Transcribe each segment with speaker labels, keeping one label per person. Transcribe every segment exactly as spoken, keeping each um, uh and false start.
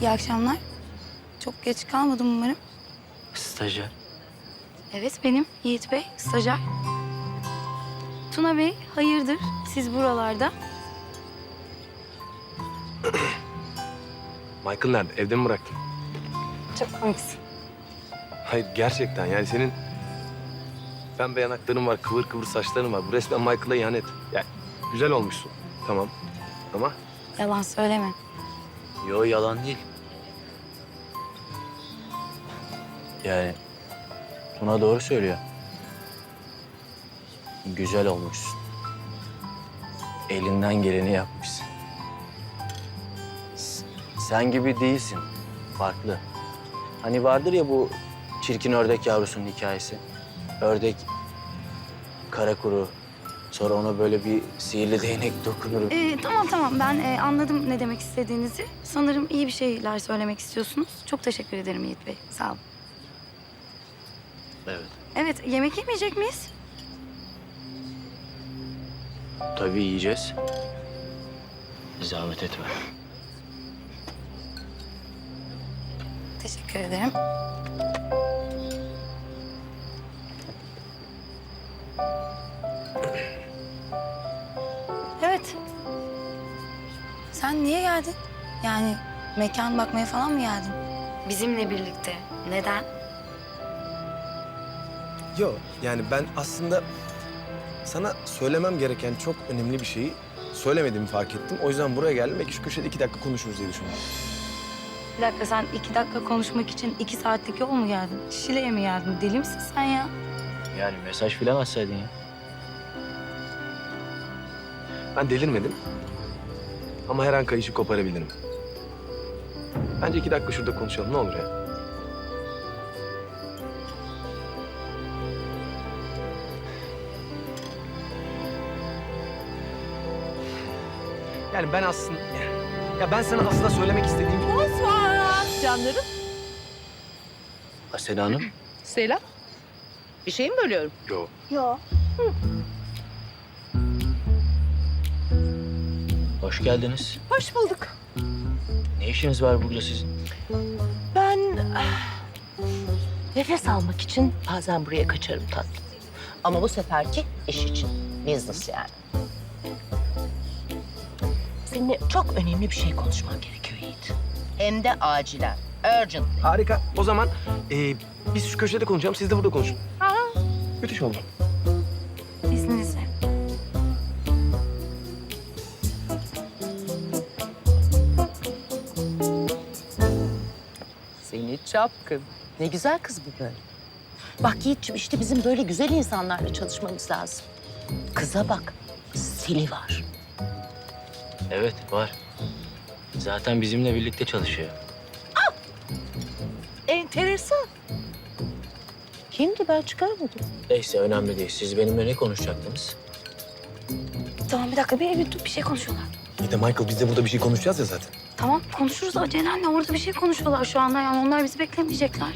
Speaker 1: İyi akşamlar. Çok geç kalmadım umarım.
Speaker 2: Stajyer.
Speaker 1: Evet benim Yiğit Bey, stajyer. Tuna Bey, hayırdır siz buralarda?
Speaker 3: Michael nerede? Evde mi bıraktın?
Speaker 1: Çok komiksin.
Speaker 3: Hayır gerçekten yani senin pembe yanakların var, kıvır kıvır saçların var. Bu resmen Michael'a ihanet. Yani güzel olmuşsun. Tamam. Ama
Speaker 1: Yalan söyleme.
Speaker 2: Yo, yalan değil. Yani Tuna doğru söylüyor. Güzel olmuşsun. Elinden geleni yapmışsın. S- Sen gibi değilsin. Farklı. Hani vardır ya bu çirkin ördek yavrusunun hikayesi. Ördek kara kuru. Sonra ona böyle bir sihirli değnek dokunur.
Speaker 1: Ee, tamam tamam ben e, anladım ne demek istediğinizi. Sanırım iyi bir şeyler söylemek istiyorsunuz. Çok teşekkür ederim Yiğit Bey. Sağ olun.
Speaker 2: Evet.
Speaker 1: Evet yemek yemeyecek miyiz?
Speaker 2: Tabii yiyeceğiz. Zahmet etme.
Speaker 1: Teşekkür ederim. Evet. Sen niye geldin? Yani mekan bakmaya falan mı geldin? Bizimle birlikte. Neden?
Speaker 3: yok yani ben aslında sana söylemem gereken çok önemli bir şeyi söylemediğimi fark ettim. O yüzden buraya geldim. Belki şu köşede iki dakika konuşuruz diye düşündüm.
Speaker 1: Bir dakika sen iki dakika konuşmak için iki saatlik yol mu geldin? Şile'ye mi geldin? Deli misin sen ya?
Speaker 2: Yani mesaj filan atsaydın ya.
Speaker 3: Ben delirmedim. Ama her an kayışı koparabilirim. Bence iki dakika şurada konuşalım. Ne olur ya? Yani ben aslında... Ya ben sana aslında söylemek istediğim...
Speaker 4: Bonsoir canlarım.
Speaker 2: Asena Hanım.
Speaker 4: Selam. Bir şey mi bölüyorum?
Speaker 3: Yok.
Speaker 1: Yok.
Speaker 2: Hoş geldiniz.
Speaker 4: Hoş bulduk.
Speaker 2: Ne işiniz var burada sizin?
Speaker 4: Ben ah, nefes almak için bazen buraya kaçarım tatlım. Ama bu seferki iş için. Business yani. Seninle çok önemli bir şey konuşman gerekiyor Yiğit. Hem de acilen. Urgent.
Speaker 3: Harika. O zaman e, biz şu köşede konuşalım. Siz de burada konuşun.
Speaker 4: Aa,
Speaker 3: Müthiş oldu.
Speaker 1: İzninizle.
Speaker 4: seni çapkın. Ne güzel kız bu böyle. Bak Yiğit'ciğim işte bizim böyle güzel insanlarla çalışmamız lazım. Kıza bak. Stili var.
Speaker 2: Evet, var. Zaten bizimle birlikte çalışıyor.
Speaker 4: Enteresan. Kimdi ben çıkaramadım.
Speaker 2: Neyse, önemli değil. Siz benimle ne konuşacaktınız?
Speaker 1: Tamam bir dakika bir, bir dur bir şey konuşuyorlar.
Speaker 3: İyi de Michael biz de burada bir şey konuşacağız ya zaten.
Speaker 1: Tamam konuşuruz. Ceren'le orada bir şey konuşuyorlar şu anda. Yani onlar bizi beklemeyecekler.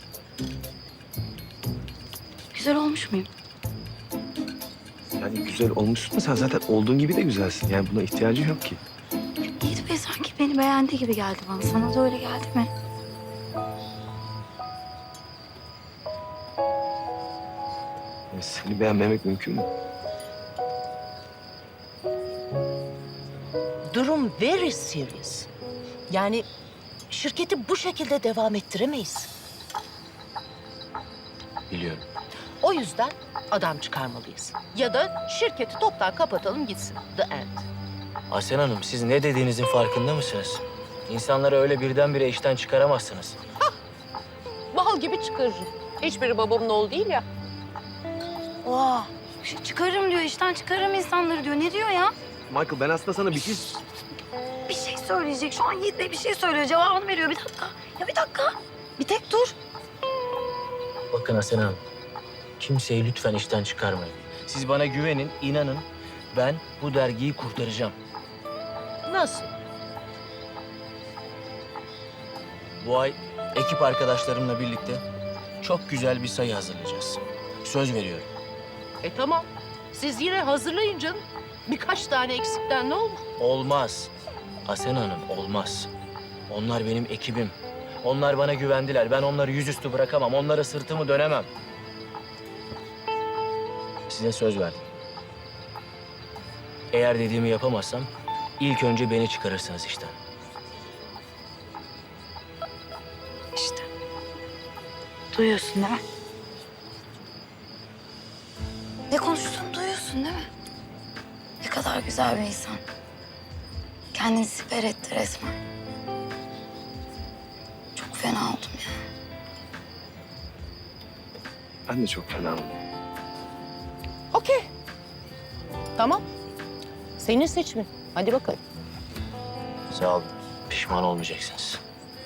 Speaker 1: Güzel olmuş muyum?
Speaker 3: Yani güzel olmuşsun da sen zaten olduğun gibi de güzelsin. Yani buna ihtiyacı yok ki.
Speaker 1: Yiğit Bey sanki beni beğendi gibi geldi bana. Sana da öyle geldi mi?
Speaker 3: Yani seni beğenmemek mümkün mü?
Speaker 4: Durum very serious. Yani şirketi bu şekilde devam ettiremeyiz.
Speaker 2: Biliyorum.
Speaker 4: O yüzden adam çıkarmalıyız. Ya da şirketi toptan kapatalım gitsin. The end.
Speaker 2: Asena Hanım, siz ne dediğinizin farkında mısınız? İnsanları öyle birdenbire işten çıkaramazsınız.
Speaker 4: Bal gibi çıkarırım. Hiçbiri babamın oğlu değil ya.
Speaker 1: Oha. Şey çıkarırım diyor. İşten çıkarırım insanları diyor. Ne diyor ya?
Speaker 3: Michael ben aslında sana bir şey...
Speaker 1: Bir şey söyleyecek. Şu an Yiğit Bey bir şey söylüyor. Cevabını veriyor. Bir dakika. Ya bir dakika. Bir tek dur.
Speaker 2: Bakın Asena Hanım, kimseyi lütfen işten çıkarmayın. Siz bana güvenin, inanın. Ben bu dergiyi kurtaracağım.
Speaker 4: Nasıl?
Speaker 2: Bu ay ekip arkadaşlarımla birlikte çok güzel bir sayı hazırlayacağız. Söz veriyorum.
Speaker 4: E tamam. Siz yine hazırlayın canım. Birkaç tane eksikten ne olur?
Speaker 2: Olmaz. Asena Hanım, olmaz. Onlar benim ekibim. Onlar bana güvendiler. Ben onları yüzüstü bırakamam. Onlara sırtımı dönemem. Size söz verdim. Eğer dediğimi yapamazsam ilk önce beni çıkarırsınız işten.
Speaker 1: İşte. Duyuyorsun değil mi? Ne konuştuğunu duyuyorsun değil mi? Ne kadar güzel bir insan. Kendini siper etti resmen. Çok fena oldum ya.
Speaker 3: Ben de çok fena oldum.
Speaker 4: Okey. Tamam. Senin seçimin. Hadi bakalım.
Speaker 2: Sağ olun. Pişman olmayacaksınız.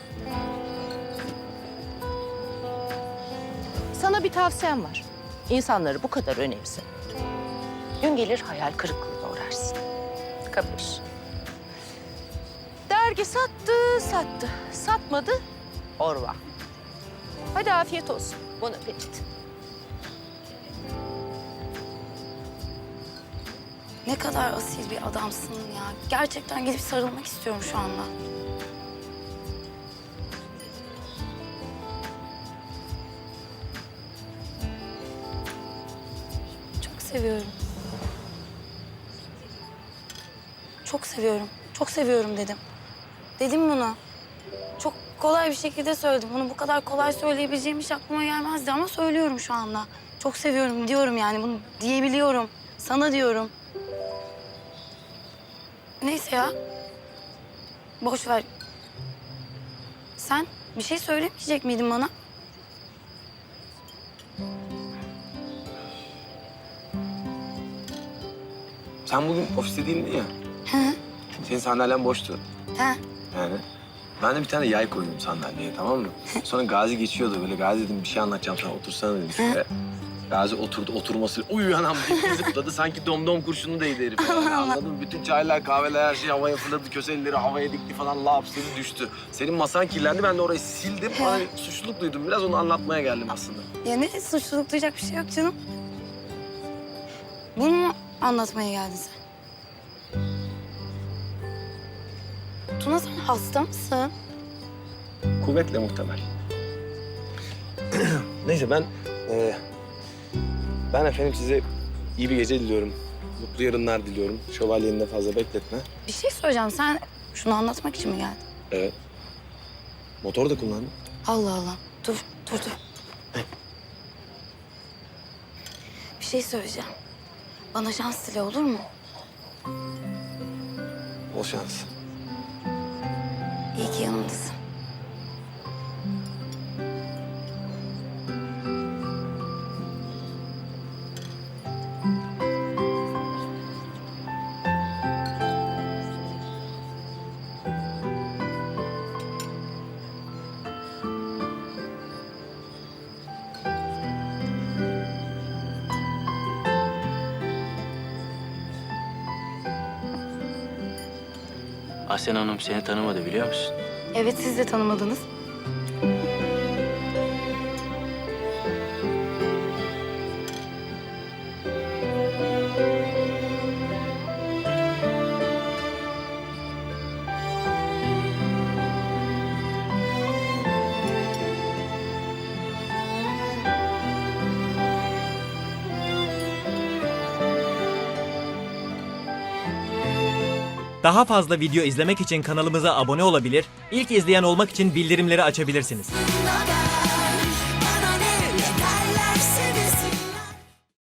Speaker 4: Sana bir tavsiyem var. İnsanları bu kadar önemse. Gün gelir hayal kırıklığına uğrarsın. Kapış. Dergi sattı, sattı. Satmadı, orva. Hadi afiyet olsun. Bon appetit.
Speaker 1: Ne kadar asil bir adamsın ya. Gerçekten gidip sarılmak istiyorum şu anda. Çok seviyorum. Çok seviyorum. Çok seviyorum dedim. Dedim bunu. Çok kolay bir şekilde söyledim. Bunu bu kadar kolay söyleyebileceğim hiç aklıma gelmezdi ama söylüyorum şu anda. Çok seviyorum diyorum yani. Bunu diyebiliyorum. Sana diyorum. Neyse ya. Boş ver. Sen bir şey söylemeyecek miydin bana?
Speaker 3: Sen bugün ofiste değildin ya.
Speaker 1: He.
Speaker 3: Senin sandalyen boştu.
Speaker 1: He.
Speaker 3: Yani ben de bir tane yay koydum sandalyeye, tamam mı? Sonra Gazi geçiyordu böyle. Gazi dedim bir şey anlatacağım sana, otursana dedim şuraya. Gazi oturdu, oturması uy anam diye zıpladı. Sanki domdom kurşunu değdi herif. Yani, anladın mı? Bütün çaylar, kahveler, her şey havaya fırladı. Köselleri havaya dikti falan. Laps dedi düştü. Senin masan kirlendi. Ben de orayı sildim. Bana bir suçluluk duydum. Biraz onu anlatmaya geldim aslında.
Speaker 1: Ya ne suçluluk duyacak bir şey yok canım. Bunu mu anlatmaya geldin sen? Tuna sen hasta mısın?
Speaker 3: Kuvvetle muhtemel. Neyse ben... E, ben efendim size iyi bir gece diliyorum. Mutlu yarınlar diliyorum. Şövalyenin de fazla bekletme.
Speaker 1: Bir şey söyleyeceğim. Sen şunu anlatmak için mi geldin?
Speaker 3: Evet. Motor da kullandım.
Speaker 1: Allah Allah. Dur, dur, dur. Bir şey söyleyeceğim. Bana şans dile olur mu?
Speaker 3: Bol şans.
Speaker 1: İyi ki yanımdasın.
Speaker 2: Aslen Hanım seni tanımadı biliyor musun?
Speaker 1: Evet, siz de tanımadınız.
Speaker 5: Daha fazla video izlemek için kanalımıza abone olabilir, ilk izleyen olmak için bildirimleri açabilirsiniz.